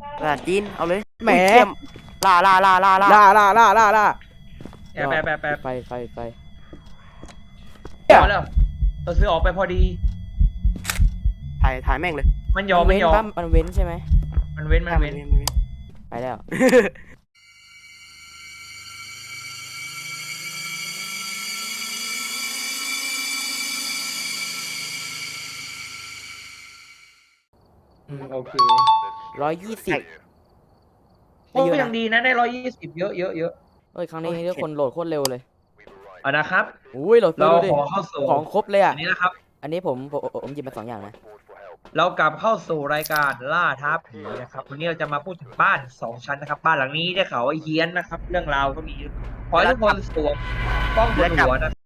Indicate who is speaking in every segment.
Speaker 1: ภาษาจีนเอาเลย
Speaker 2: แหม
Speaker 1: อุ้ยเทียมล่าล่าล่าล่าล่า
Speaker 2: ล่า
Speaker 3: แอบแอบแอบ
Speaker 2: ไฟ
Speaker 3: พอแล้วเราซื้อออกไปพอดี
Speaker 1: ถ่ายแม่งเลย
Speaker 3: มันยอมไม่ยอม
Speaker 2: มันเว้นใช่ไหม
Speaker 3: มันเว้นมันเว้น
Speaker 2: ไปแล้ว
Speaker 3: โอเค
Speaker 2: 120
Speaker 3: โอ้ก็ยังดีนะได้120เยอะเยอะเยอะ
Speaker 2: เฮ้ยครั้งนี้ทุกคนโหลดโคตรเร็วเลย
Speaker 3: เอานะครับ
Speaker 2: อุ้ยโหลด
Speaker 3: เรา
Speaker 2: ดิ
Speaker 3: ขอเข้าสู่
Speaker 2: ของครบเลยอ่ะ
Speaker 3: อันนี้นะครับ
Speaker 2: อันนี้ผมหยิบมา2อย่างนะ
Speaker 3: เรากลับเข้าสู่รายการล่าท้าผีนะครับวันนี้เราจะมาพูดถึงบ้าน2 ชั้นนะครับบ้านหลังนี้ได้ข่าวว่าเฮี้ยนนะครับ เรื่องราวก็มีขอให้ทุกคนสวมกล้องบนหัวนะ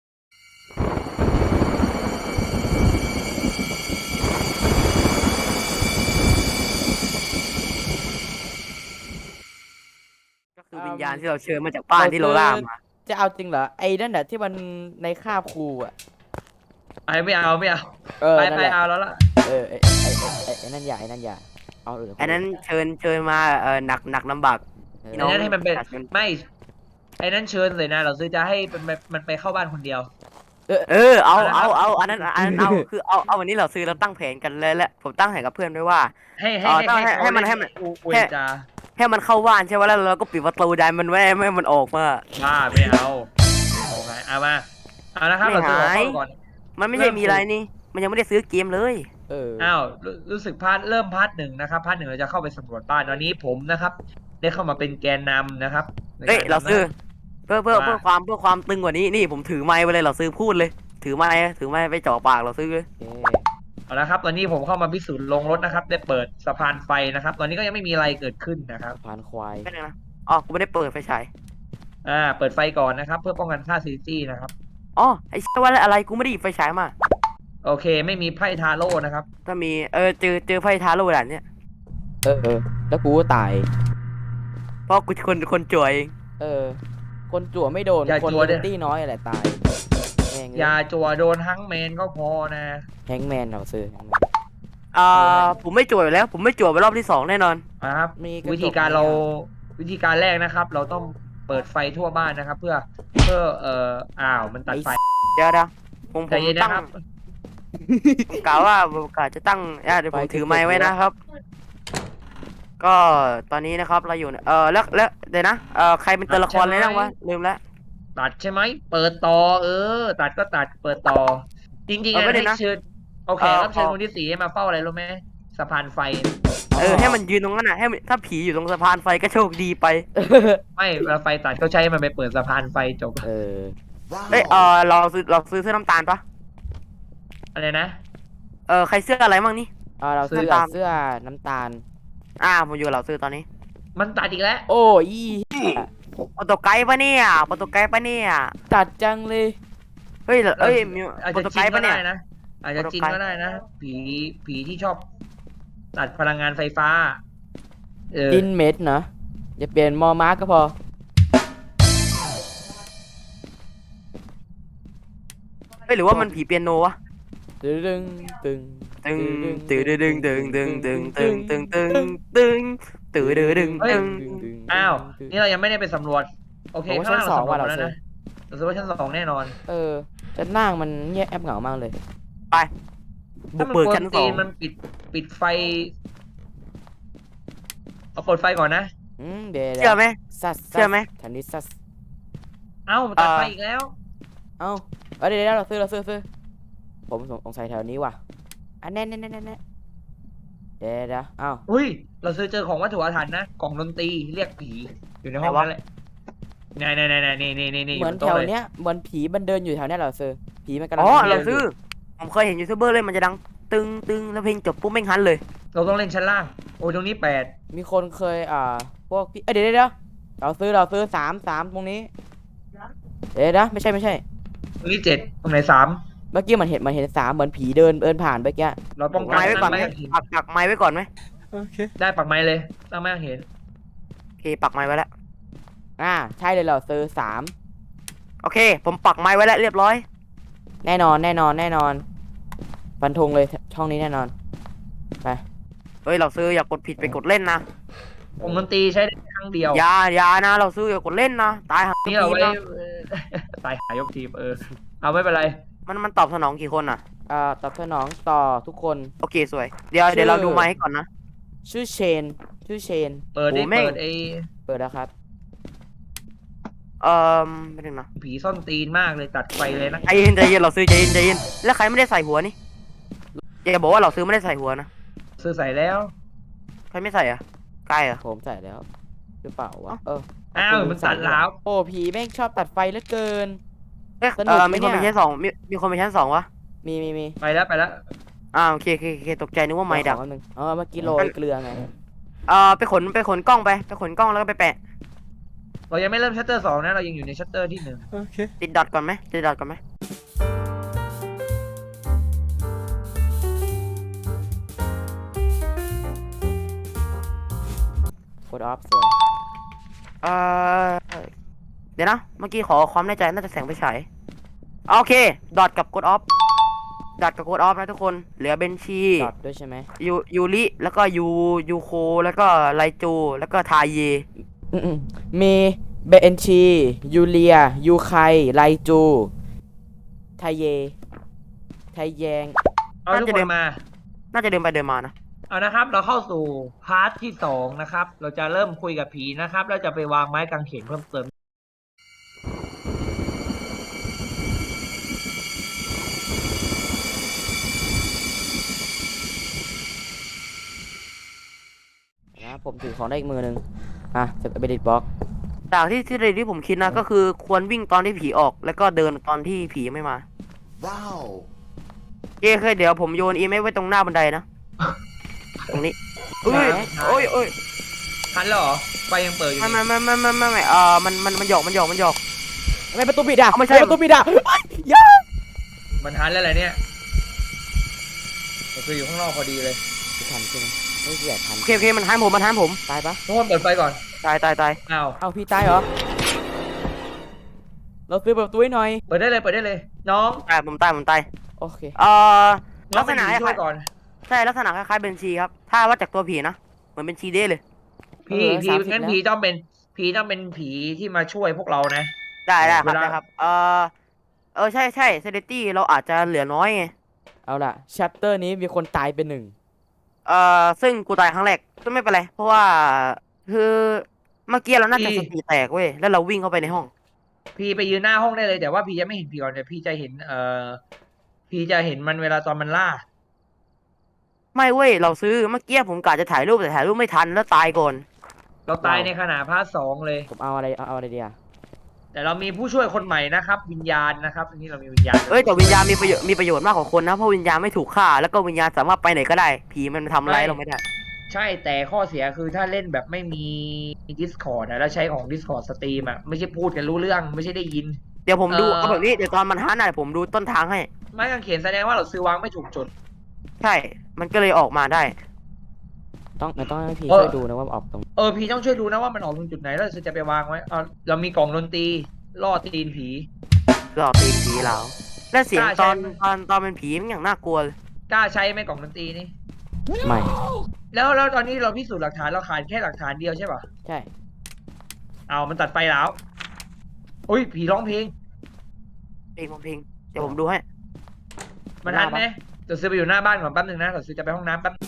Speaker 1: ก็คือวิญญาณที่เราเชิญมาจากบ้านที่เราล่ามา
Speaker 2: จะเอาจริงเหรอไอ้นั่นแหละที่มันในคาบครูอ่ะ
Speaker 3: ไม่เอาไป
Speaker 2: นั่นแหละ
Speaker 3: เอาแล้วล่ะ
Speaker 2: ไอ้นั่นอย่าเอาเออ
Speaker 1: อันนั้นเชิญมาหนักลำบาก พี่
Speaker 3: ไอ้
Speaker 1: น้อง
Speaker 3: นั่นให้มันเป็นไม่ไอ้นั่นเชิญเลยนะเราซื้อจะให้มันไปเข้าบ้านคนเดียว
Speaker 1: เอาอันนั้นเอาคือเอาวันนี้เราซื้อเราตั้งแผนกันเลยแหละผมตั้งแผนกับเพื่อนไว้ว่า ให้มัน
Speaker 3: อวยจา
Speaker 1: ให้มันเข้าบ้านใช่ไหมแล้วเราก็ปิดประตูดันมันไว้ไม่ให้มันออกมา
Speaker 3: บ้าไม่เอาเอาไงเอามาเอานะครับเราซื้อของเข้าก่อน
Speaker 1: มันไม่ใช่มีอะไรนี่ มันยังไม่ได้ซื้อเกมเลย
Speaker 3: อ้าวรู้สึกเริ่มพาร์ท 1นะครับพาร์ท 1เราจะเข้าไปสำรวจบ้านตอนนี้ผมนะครับ ได้เข้ามาเป็นแกนนำนะครับ
Speaker 1: เฮ้ยเราซื้อเพื่อความตึงกว่านี้นี่ผมถือไม้ไปเลยเราซื้อพูดเลย ถือไม้ไปจ่อปากเราซื้อเลย
Speaker 3: เอาละครับตอนนี้ผมเข้ามาพิสูจน์ลงรถนะครับได้เปิดสะพานไฟนะครับ ตอนนี้ก็ยังไม่มีอะไรเกิดขึ้นนะครับ
Speaker 2: ผ่านควาย
Speaker 1: ไม่ได้นะอ๋อกูไม่ได้เปิดไฟฉาย
Speaker 3: เปิดไฟก่อนนะครับ เพื่อป้องกันค่าซีจี้นะครับ
Speaker 1: อ๋อไอ้เชี่ยว่าอะไรกูไม่ได้หยิบไฟฉายมา
Speaker 3: โอเค ไม่มีไพ่ทาโร่นะครับ
Speaker 1: ถ้ามีเจอไฟทาโร่ด่านเนี้ย
Speaker 2: แล้วกูก็ตาย
Speaker 1: เพราะกูคนจ่วยเอง
Speaker 2: คนจั่วไม่โดน
Speaker 3: อย่า
Speaker 2: คน
Speaker 3: จั่วดิ
Speaker 2: ตี้น้อยอะไรตายแม่ง
Speaker 3: อย่าจัวโดนฮังแมนก็พอนะ
Speaker 2: แฮงแมนเราซื้อ
Speaker 1: ผมไม่จ่วยแล้ว ผมไม่จ่วยไปรอบที่2แน่นอน
Speaker 3: นะครับ
Speaker 2: มีกระจก
Speaker 3: วิธีการแรกนะครับ เราต้องเปิดไฟทั่วบ้านนะครับ เพื่อมันตัดไฟ
Speaker 1: เดี๋ยวผม
Speaker 3: ใจเย็น
Speaker 1: ตั้
Speaker 3: นะ
Speaker 1: ง
Speaker 3: ครับ
Speaker 1: กล่าวว่าผมกะจะตั้งเดี๋ยวผมถือไม้ไว้นะครับ ก็ตอนนี้นะครับเราอยู่แล้วเดี๋ยวนะใครเป็นตัวละครเลยนะวะลืมแล้ว
Speaker 3: ตัดใช่ไหมเปิดต่อตัดก็ตัดเปิดต่อ จริงๆ
Speaker 1: ไม่ได้
Speaker 3: ให้
Speaker 1: นะ
Speaker 3: เชิญโอเครับเชิญคนที่4ให้มาเฝ้าอะไรรู้ไหมสะพานไฟ
Speaker 1: ให้มันยืนตรงนั้นน่ะถ้าผีอยู่ตรงสะพานไฟก็โชคดีไป
Speaker 3: ไม่เวลาไฟตัดเขาใช้มันไปเปิดสะพานไฟจบ
Speaker 1: เราซื้อเสื้อน้ำตาลปะ
Speaker 3: อะไรนะ
Speaker 1: ใครเสื้ออะไรมั่งนี่
Speaker 2: เราซื้อ
Speaker 1: ตาม
Speaker 2: เสื้อน้ำตาล
Speaker 1: ผมอยู่กับเราซื้อตอนนี้
Speaker 3: มันตัดอีกแล้ว
Speaker 2: โอ้ย
Speaker 1: โปรโตไกด์ปะเนี่ยโปรโตไกด์ปะเนี่ย
Speaker 2: ตัดจังเลย
Speaker 1: เฮ้ยมี
Speaker 3: อาจ
Speaker 1: โปร
Speaker 3: จะ
Speaker 1: โต
Speaker 3: จิ
Speaker 1: ไก
Speaker 3: น
Speaker 1: ด์
Speaker 3: ก็
Speaker 1: ปะเนี่
Speaker 3: ได้
Speaker 1: ย
Speaker 3: นะอาจจะจิน
Speaker 1: โปรโตไกด์
Speaker 3: ก็ได้นะผีที่ชอบ ตัดพลังงานไฟฟ้า
Speaker 2: ดินเม็ดนะอย่าเปลี่ยนมอมาร์กก็พอ
Speaker 1: หรือว่ามันผีเปียโนวะ
Speaker 2: ตึงตึง
Speaker 1: ตึงตึงตึงตึงตึงตึงตึงตึงตึงตึงตึงตึงตึง
Speaker 3: อ้าวนี่เรายังไม่ได้ไปสำรวจโอเค
Speaker 2: ผมว่า
Speaker 3: ข้างล่าง
Speaker 2: ชั้น
Speaker 3: เรา
Speaker 2: 2
Speaker 3: สำรวจ
Speaker 2: ว่ะ
Speaker 3: แล้วนะเราซื้อว่าชั้น 2แน่นอน
Speaker 2: จะนั่งมันเงียบแอบเหงามากเลย
Speaker 1: บุ
Speaker 3: ถ้าก มัน
Speaker 1: เบิก
Speaker 3: กวน
Speaker 1: ชั้น
Speaker 3: ตี
Speaker 1: 2
Speaker 3: นมันปิดไฟเอาเปิดไฟก่อนนะ
Speaker 2: เดี๋ยว
Speaker 1: เชื่อไหม
Speaker 2: ซัส
Speaker 1: เชื่อไหม
Speaker 2: ทันนี้ซัส
Speaker 3: เอ้าตัดไฟอีกแล้ว
Speaker 2: เดี๋ยวเราซื้อผมสงสัยแถวนี้ว่ะแน่เดี๋ยว
Speaker 3: อุ้ย เราซื้อเจอของวัตถุอาถรรพ์นะกล่องดนตรีเรียกผีอยู่ในห้องนั่นแหละนี่
Speaker 2: เหมือนแถวเนี้ยเหมือนผีมันเดินอยู่แถวเนี้ยเราซื้อผีมันกำลัง
Speaker 1: เราซื้อผมเคยเห็นยูทูบเบอร์เล่นมันจะดังตึงตึงแล้วเพลงจบปุ๊บแม่งฮันเลย
Speaker 3: เราต้องเล่นชั้นล่าง โอ้ยตรงนี้8
Speaker 2: มีคนเคยพวกพี่เดี๋ยวเราซื้อ3ตรงนี้เดี๋ยวไม่ใช่
Speaker 3: ตรงนี้7ตรงไหน3
Speaker 2: เมื่อกี้มันเห็น3เหมือนผีเดินผ่านเมื่อกี้
Speaker 3: เราป้องกัน
Speaker 1: ไม้ไว้ก่อนไหม
Speaker 3: ตั้งเห็น
Speaker 1: ปักไม้ไว้ก่อนไหม
Speaker 3: ได้ปักไม้เลยตั้งไม่เห็น
Speaker 1: โอเคปักไม้ไว้แล้ว
Speaker 2: ใช่เลยเราซื้อ
Speaker 1: โอเคผมปักไม้ไว้แล้วเรียบร้อย
Speaker 2: 3แน่นอนฟันธงเลยช่องนี้แน่นอนไป
Speaker 1: เฮ้ยเราซื้ออย่ากดผิดไปกดเล่นนะ
Speaker 3: วงดนตรีใช้ได้ครั้งเดียว
Speaker 1: อย่านะเราซื้ออย่ากดเล่นนะตายหา
Speaker 3: นี่
Speaker 1: ที
Speaker 3: เอา
Speaker 1: ม
Speaker 3: ไว้
Speaker 1: นะ
Speaker 3: ตายหายกทีมเอาไม่เป็นไร
Speaker 1: มันตอบสนองกี่คนอ่ะ
Speaker 2: ตอบสนองต่อทุกคน
Speaker 1: โอเคสวยเดี๋ยวเราดูไมค์ให้ก่อนนะ
Speaker 2: ชื่อเชน
Speaker 3: เปิดได้
Speaker 1: โอ้แม่ง
Speaker 3: เปิด
Speaker 2: เปิดแล้วครับ
Speaker 1: ไม่ถึงนะ
Speaker 3: ผีซ่อนตีนมากเลยตัดไฟเลยนะ
Speaker 1: ใจเย็นเราซื้อใจเย็นแล้วใครไม่ได้ใส่หัวนี่อย่าบอกว่าเราซื้อไม่ได้ใส่หัวนะ
Speaker 3: ซื้อใส่แล้ว
Speaker 1: ใครไม่ใส่อ่ะกายเหรอ่ะ
Speaker 2: ผมใส่แล้วหรือเปล่าวะ
Speaker 3: อ้าวมันตัดแล้ว
Speaker 2: โอ้ผีแม่งชอบตัดไฟเหลือเกิน
Speaker 1: เอ๊ะ
Speaker 2: สนุกไหม
Speaker 1: มีคนไป
Speaker 2: เนี่ย
Speaker 1: ชั้นสองมีคนไปชั้นสองวะ
Speaker 2: มี
Speaker 3: ไปแล้ว
Speaker 1: โอเคตกใจนึกว่าไม้ดับ
Speaker 2: ขอแป๊บนึงเมื่อกี้โรยเกลือไง
Speaker 1: ไปขนกล้องไปขนกล้องแล้วก็ไปแปะ
Speaker 3: เรายังไม่เริ่มชัตเตอร์2นะเรายังอยู่ในชัตเตอร์ที่1
Speaker 1: ติดดอทก่อนไหมติดดอทก่อนไหม
Speaker 2: กดออฟสวย
Speaker 1: เอ่อเดี๋ยวนะเมื่อกี้ขอความแน่ใจน่าจะแสงไปฉายโอเคดอทกับกดออฟดอทกับกดออฟนะทุกคนเหลือเบนชี
Speaker 2: ดอทด้วยใช่ไหม
Speaker 1: ยูริแล้วก็ยูโคแล้วก็ไลจูแล้วก็ทาเย
Speaker 2: มีเบนชียูเลียยูไคไลจูไทเยไทแยง
Speaker 3: เอาทุกคนมา
Speaker 1: น่าจะเดินไปเดินมานะ
Speaker 3: เอานะครับ เราเข้าสู่พาร์ทที่2นะครับ เราจะเริ่มคุยกับผีนะครับเราจะไปวางไม้กางเขนเพิ่มเติม
Speaker 2: นะผมถือของได้อีกมือหนึ่งเสร็จเบดิตบล็อก
Speaker 1: จากที่ผมคิดนะก็คือควรวิ่งตอนที่ผีออกแล้วก็เดินตอนที่ผียังไม่มา
Speaker 4: ว้าว
Speaker 1: เคยเดี๋ยวผมโยนอีเมลไว้ตรงหน้าบันไดนะ ตรงนี้เอ้ยโอ้ย
Speaker 3: ทันแล้วเหรอไฟยังเปิดอยู่
Speaker 1: ไม่
Speaker 3: นี่
Speaker 1: มันหยอก
Speaker 2: ทำไมประตูปิดอ่ะ
Speaker 1: ไม่ใช่
Speaker 2: ประตูปิดอ่ะยา
Speaker 3: มันทันแล้วแหละเนี่ยเราคืออยู่ข้างนอกพอดีเลย
Speaker 2: ทันใช่ไหมไม่เสียทัน
Speaker 1: โอเคมันทันผม
Speaker 2: ตายปะ
Speaker 3: ทุกคนเปิดไฟก่อน
Speaker 1: ตาย
Speaker 3: อ้าว
Speaker 2: เอาพี่ตายเหรอเราซื้อประตูให้หน่อย
Speaker 3: เปิดได้เลยน้อง
Speaker 1: ผมตาย
Speaker 2: โอเค
Speaker 1: น้
Speaker 3: น้
Speaker 1: ลั
Speaker 3: อง
Speaker 1: กษ
Speaker 3: เป็น
Speaker 1: ณะ
Speaker 3: ผีช่วยก่อน
Speaker 1: ใช่ลักษณะคล้ายๆเบนชีครับถ้าว่าจากตัวผีนะเหมือนเบนชีเด้เลย
Speaker 3: ผีงั้นผีต้องเป็นผีที่มาช่วยพวกเรานะ
Speaker 1: ได้ครับ
Speaker 3: เวลา
Speaker 1: ได้ครับใช่เซเลตี้เราอาจจะเหลือน้อยไง
Speaker 2: เอาล่ะชัปเตอร์นี้มีคนตายเป็นหนึ่ง
Speaker 1: ซึ่งกูตายครั้งแรกก็ไม่เป็นไรเพราะว่าคือเมื่อกี้เราน่าจะสติแตกเว้ยแล้วเราวิ่งเข้าไปในห้อง
Speaker 3: พี่ไปยืนหน้าห้องได้เลยแต่ว่าพี่จะไม่เห็นผีก่อนแต่พี่จะเห็นพี่จะเห็นมันเวลาตอนมันล่า
Speaker 1: ไม่เว้ยเราซื้อเมื่อกี้ผมกะจะถ่ายรูปแต่ถ่ายรูปไม่ทันแล้วตายก่อน
Speaker 3: เราตายในขณะพาร์ท2เลย
Speaker 2: ผมเอาอะไรดีอ่ะ
Speaker 3: แต่เรามีผู้ช่วยคนใหม่นะครับ วิญญาณนะครับทีนี้เรามีวิญญาณ
Speaker 1: เอ้ยแต่วิญญาณมีประโยชน์มากกว่าคนนะเพราะวิญญาณไม่ถูกฆ่าแล้วก็วิญญาณสามารถไปไหนก็ได้ผีมันทำอะไรเราไม่ได้
Speaker 3: ใช่แต่ข้อเสียคือถ้าเล่นแบบไม่มี Discord แล้วใช้ของ Discord สตรีมไม่ใช่พูดกันรู้เรื่องไม่ใช่ได้ยิน
Speaker 1: เดี๋ยวผมดูเอาแบบนี้เดี๋ยวตอนมันฮันน่ะผมดูต้นทางให้
Speaker 3: ไม้กางเขนแสดงว่าเราซื้อวางไม่ถูกจุด
Speaker 1: ใช่ มันก็เลยออกมาได้
Speaker 2: ต้องให้พี่
Speaker 3: เออ
Speaker 2: ช่วยดูนะว่าออกตรง
Speaker 3: พี่ต้องช่วยดูนะว่ามันออกตรงจุดไหนแล้วเราจะไปวางไว้เรามีกล่องดนตรีล่อตีนผี
Speaker 1: หลอกตีนผีแล้วและเสียง
Speaker 3: กล้า
Speaker 1: ต
Speaker 3: ใช้
Speaker 1: อน
Speaker 3: ไหม
Speaker 1: ตอนเป็นผีมันอย่างน่ากลัวเลย
Speaker 3: กล้าใช้ไหมกล่องดนตรีนี่
Speaker 2: ไม่
Speaker 3: แล้วตอนนี้เราพิสูจน์หลักฐานเราขาดแค่หลักฐานเดียวใช่ป่ะ
Speaker 2: ใช่
Speaker 3: เอามันตัดไฟแล้วอุ้ยผีร้องเพลง
Speaker 1: เพลงเดี๋ยวผมดูให้
Speaker 3: มันทันไหมเดี๋ยวซื้อไปอยู่หน้าบ้านก่อนแป๊บนึงนะเดี๋ยวซื้อจะไปห้องน้ำแป๊บ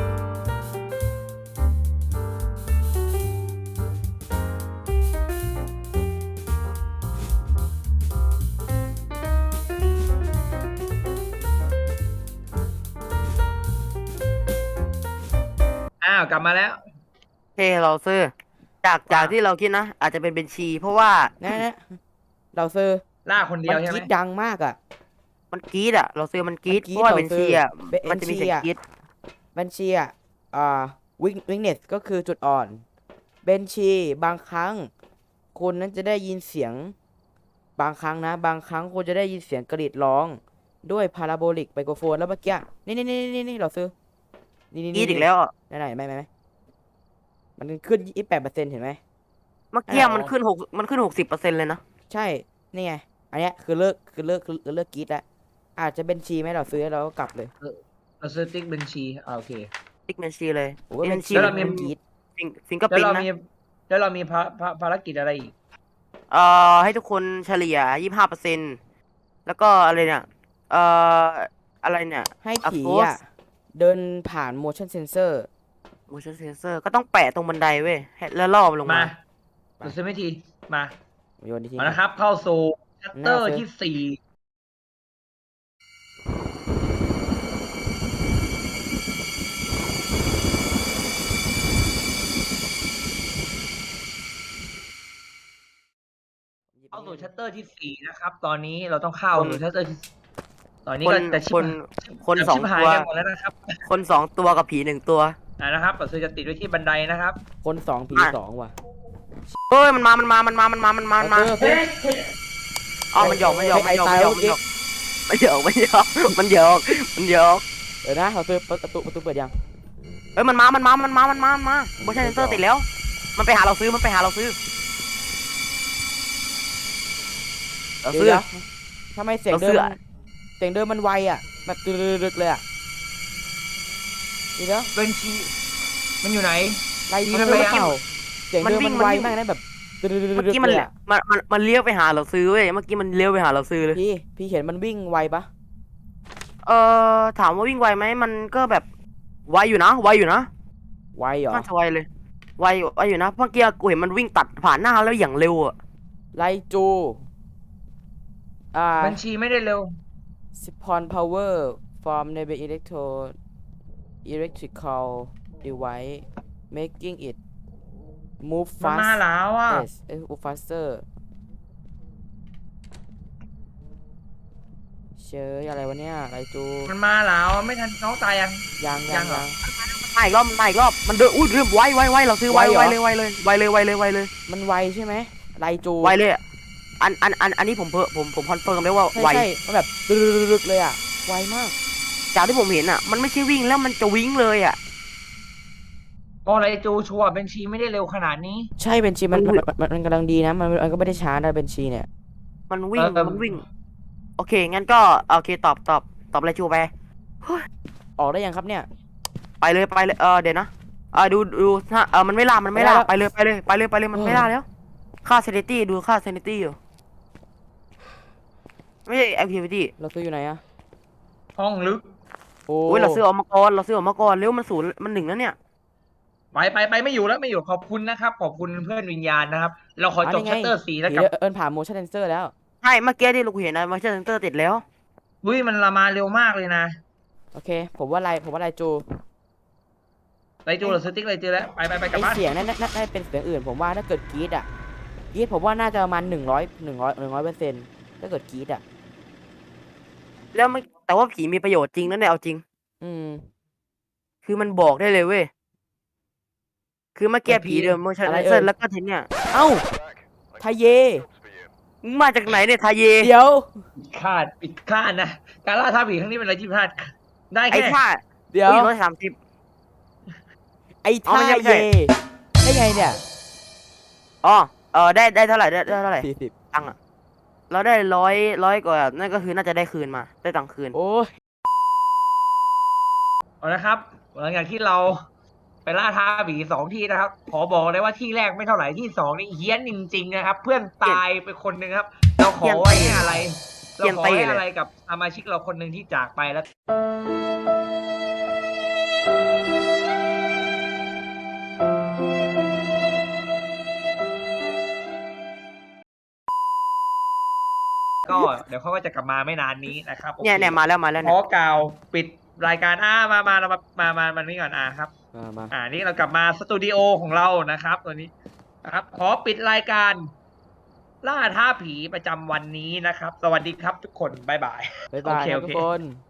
Speaker 3: กลับมาแล้ว
Speaker 1: เราซื้อจากที่เราคิดนะ อาจจะเป็นเบนชี เพราะว่า
Speaker 2: นะเราซื้อ
Speaker 3: ล่าคนเดี
Speaker 2: มั
Speaker 3: ยวน ใช่
Speaker 2: ก
Speaker 3: ไหม
Speaker 2: รีดดังมากอ่ะ
Speaker 1: มันกรีดอะเราซื้อมันกรีด
Speaker 2: มันกรี๊ด
Speaker 1: เพราะว่า
Speaker 2: เรา
Speaker 1: เบน
Speaker 2: ซื้
Speaker 1: ชี
Speaker 2: อ
Speaker 1: อะ
Speaker 2: เบน
Speaker 1: มันจะมีเสียง
Speaker 2: ชีอะ
Speaker 1: กรีด
Speaker 2: บัญชีวิกเนสก็คือจุดอ่อนเบนชีบางครั้งคุณนั้นจะได้ยินเสียงบางครั้งคุณจะได้ยินเสียงกรีดร้องด้วยพาราโบลิกไมโครโฟนแล้วเมื่อกี้นี่เราซื้อนี่
Speaker 1: กรีดอีกแล้วอะ
Speaker 2: ไหนไม่มันขึ้น28%เห็นไหม
Speaker 1: เมื่อกี้มันขึ้น60%เลยนะ
Speaker 2: ใช่นี่ไงอันเนี้ยคือเลิกกรีดแล้วอาจจะเบนชีไหมเราซื้อแล้วเราก็กลับเลย
Speaker 3: เราซื้อติ๊กบัญชีโอเค
Speaker 1: ติ๊กแมนชีเลย
Speaker 2: โอ้ยเป็น
Speaker 1: ชี
Speaker 3: แล้วเรามี
Speaker 2: มันกรีด
Speaker 1: ฟิงก็
Speaker 3: แล้ว
Speaker 1: ปิ้น
Speaker 3: เรา
Speaker 1: นะ
Speaker 3: มีแล้วเรามีภารกิจอะไรอีก
Speaker 1: ให้ทุกคนเฉลี่ย25%แล้วก็อะไรเนี่ยเอ่ออะไรเนี่ย
Speaker 2: ให้ผี
Speaker 1: Approach
Speaker 2: อ่ะ เดินผ่าน motion sensor
Speaker 1: motion sensor ก็ต้องแปะตรงบันไดเว้ยแล้วล่อมันลง
Speaker 3: มา
Speaker 1: มา
Speaker 3: เราซื้อไม่ทีมา
Speaker 2: โยนทิ้ง
Speaker 3: เอานะครับ เข้าสู่ชัตเตอร์
Speaker 2: น่าซื้อ
Speaker 3: ที่สี่เข้าสู่ชัตเตอร์ที่สี่นะครับ ตอนนี้เราต้องเข้า
Speaker 1: คน
Speaker 3: สู่ชัตเตอร์ที่ตอนนี้
Speaker 1: คน
Speaker 3: ก็จะชิบ
Speaker 1: คน
Speaker 3: จะ
Speaker 1: สอง
Speaker 3: ชิบหาย
Speaker 1: ตัว
Speaker 3: กันหมดแล้วนะครับ
Speaker 1: คน2 ตัวกับผี1 ตัว
Speaker 3: นะครับเราซื้อจะติดไว้ที่บันไดนะครับ
Speaker 2: คนสองผี
Speaker 1: อ่ะ
Speaker 2: สองว่ะ
Speaker 1: เฮ้ยมันมา
Speaker 2: เอาเสื้อ
Speaker 1: อ๋อมันหยอกมันหยอก
Speaker 2: ไอ้ตายแล้ว
Speaker 1: มันหยอกมันหยอกมันหยอกมันหยอก
Speaker 2: เดี๋ยวนะเราซื้อประตูเปิดยัง
Speaker 1: เฮ้ยมันมาโมชั่นเซนเซอร์ติดแล้ว มันไปหาเราซื้อเราซื้อ
Speaker 2: เดี๋ยวทำไมเสียงเดินมันไวอ่ะ แบบตึกๆเลยอ่ะเดี๋ยว
Speaker 3: เป็นชีมันอยู่ไหน
Speaker 2: ไล่
Speaker 3: มี
Speaker 2: มัน
Speaker 3: อะไร
Speaker 2: เป
Speaker 3: อ่ะ
Speaker 2: ล่าเสียงเดินมันไวมากนะแบบตึ
Speaker 1: เมื่อก กี้มัน
Speaker 2: ๆเลยอ่ะ
Speaker 1: มันเลี้ยวไปหาเราซื้อเว้ยเมื่อกี้มันเลี้ยวไปหาเราซื้อเลย
Speaker 2: พี่เห็นมันวิ่งไวปะ
Speaker 1: ถามว่าวิ่งไวไหมมันก็แบบไวอยู่นะ
Speaker 2: ไวเหรอ
Speaker 1: น่าจะไวเลยไวอยู่นะเมื่อกี้กูเห็นมันวิ่งตัดผ่านหน้าแล้วอย่างเร็วอ่ะ
Speaker 2: ไลจู
Speaker 3: บัญชีไม่ได้เร็ว
Speaker 2: spawn power from nearby electrical device making it move
Speaker 3: มัน
Speaker 2: fast
Speaker 3: มาแล้วอ่ะ
Speaker 2: move faster เชยอะไรวะเนี่ยไลจู
Speaker 3: มันมาแล้วไม่ทันน้องตายยัง
Speaker 2: ยัง
Speaker 3: ยังเหรอ
Speaker 1: มาอีกรอบมันเดินอุ้ยเริ่มไวเราซื้อไว
Speaker 2: ไวเหรอ
Speaker 1: เลย
Speaker 2: มันไวใช่ไหมไลจู
Speaker 1: ไวเลยอะอันนี้ผมคอนเฟิร์มได้ว่าไว
Speaker 2: ใช่มันแบบตึกๆเลยอ่ะไวมาก
Speaker 1: จากที่ผมเห็นอ่ะมันไม่ใช่วิ่งแล้วมันจะวิ่งเลยอ่ะ
Speaker 3: ก็อะไรจูชัวร์บัญชีไม่ได้เร็วขนาดนี้
Speaker 2: ใช่เบนชีมันกำลังดีนะมันก็ไม่ได้ช้านะเบนชีเนี่ย
Speaker 1: มันวิ่ง
Speaker 3: เออ
Speaker 1: มันวิ่งโอเคงั้นก็โอเคตอบอะไรชูไป
Speaker 2: ออกได้ยังครับเนี่ย
Speaker 1: ไปเลยเดี๋ยวนะดูถ้ามันไม่ล่าไปเลยมันไม่ล่าแล้วค่า sanity ดูค่า sanity อยู่ไม่ใช่ activity
Speaker 2: เราซื้ออยู่ไหนอะ
Speaker 3: ห้องลึก
Speaker 2: โอ้
Speaker 1: โอ้ยเราซื้อออกมาก่อนเร็วมัน0มัน1แล้วเนี่ย
Speaker 3: ไปไม่อยู่แล้วไม่อยู่ขอบคุณนะครับ ขอบคุณเพื่อนวิญญาณนะครับ เราขอจบชัตเตอร์สี่แล้วกับ
Speaker 2: เอิญผ่าน motion sensor แล้ว
Speaker 1: ใช่เมื่อกี้ที่เราเห็นนะมาเชอร์เซนเตอร์ติดแล้ว
Speaker 3: อุ้ยมันละมาเร็วมากเลยนะ
Speaker 2: โอเค ผมว่าไลจู
Speaker 3: ไรจูเราซื้อติ๊กไรจูแล้วไปกลับ
Speaker 2: ไอ
Speaker 3: บ้าน
Speaker 2: เสียงนั่นน่าจะเป็นเสียงอื่น ผมว่าถ้าเกิดกรีดผมว่าน่าจะประมาณ100%ถ้าเกิดกรีด
Speaker 1: แล้วไม่แต่ว่าผีมีประโยชน์จริงนั่นแหละเอาจริง
Speaker 2: อืม
Speaker 1: คือมันบอกได้เลยเว้ยคือเมื่อกี้ผีเดินโมชั่น
Speaker 2: อะไร
Speaker 1: เซ
Speaker 2: เอ่
Speaker 1: อย ร์แล้วก็ทีเนี้ย
Speaker 2: เอ้าทาเย
Speaker 1: มึงมาจากไหนเนี่ยทาเย
Speaker 2: เดี๋ยว
Speaker 3: ปิดคาดนะการล่าท้าผีครั้งนี้เป็นอะไรที่พลาดได้
Speaker 1: ไอ้
Speaker 3: แค่
Speaker 1: ท่า
Speaker 2: เดี๋ยว
Speaker 1: 130
Speaker 2: ไอ้
Speaker 1: อ๋อ
Speaker 2: ทา
Speaker 1: ไม่ใช่
Speaker 2: เยได้ไงเนี่ย
Speaker 1: อ๋อได้เท่าไหร่ได้เท่าไหร่
Speaker 2: 40
Speaker 1: ตังค์อะเราได้ร้อยกว่านั่นก็คือน่าจะได้คืนมาได้ตังค์คืน
Speaker 2: โอ้ย
Speaker 3: เอาละครับหลังจากที่เราไปล่าท้าผี2 ที่นะครับ ขอบอกเลยว่าที่แรกไม่เท่าไหร่ที่2นี่เฮี้ยนจริงๆนะครับ เพื่อนตายไปคนหนึ่งครับ เราขอไว้อะไร เราขอไว้อะไรกับสมาชิกเราคนหนึ่งที่จากไปแล้ว ก็เดี๋ยวเขาก็จะกลับมาไม่นานนี้นะครับ
Speaker 1: เนี่ยมาแล้ว
Speaker 3: ข
Speaker 1: เนี่
Speaker 3: อย กล่าวปิดรายการมาเรามานี่ก่อนครับ
Speaker 2: มา
Speaker 3: นี่เรากลับมาสตูดิโอของเรานะครับตัวนี้นะครับ ขอปิดรายการ ล่าท้าผีประจำวันนี้นะครับ สวัสดีครับทุกคนบ๊ายบาย
Speaker 2: บ๊ายบาย
Speaker 3: โอเค
Speaker 2: ครับทุกคน